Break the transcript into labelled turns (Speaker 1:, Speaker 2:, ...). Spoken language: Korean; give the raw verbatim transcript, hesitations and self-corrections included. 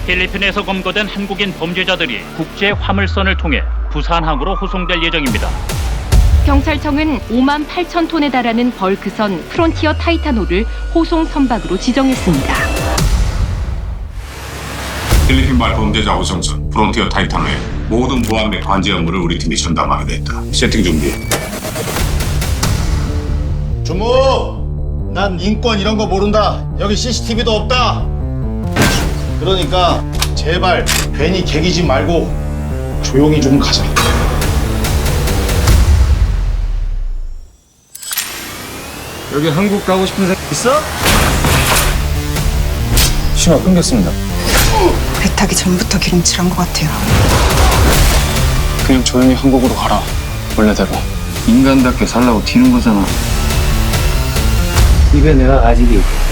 Speaker 1: 필리핀에서 검거된 한국인 범죄자들이 국제 화물선을 통해 부산항으로 호송될 예정입니다.
Speaker 2: 경찰청은 오만 팔천 톤에 달하는 벌크선 프론티어 타이타노를 호송 선박으로 지정했습니다.
Speaker 3: 필리핀발 범죄자 호송선 프론티어 타이탄의 모든 보안 및 관제 업무를 우리 팀이 전담하게 됐다. 세팅 준비.
Speaker 4: 주무! 난 인권 이런 거 모른다. 여기 씨씨티비도 없다. 그러니까 제발 괜히 개기지 말고 조용히 좀 가자.
Speaker 5: 여기 한국 가고 싶은 사람 있어?
Speaker 6: 신호 끊겼습니다.
Speaker 7: 배 타기 전부터 기름칠한 것 같아요.
Speaker 6: 그냥 조용히 한국으로 가라. 원래대로.
Speaker 5: 인간답게 살라고 튀는 거잖아.
Speaker 6: 입에 내가 아직이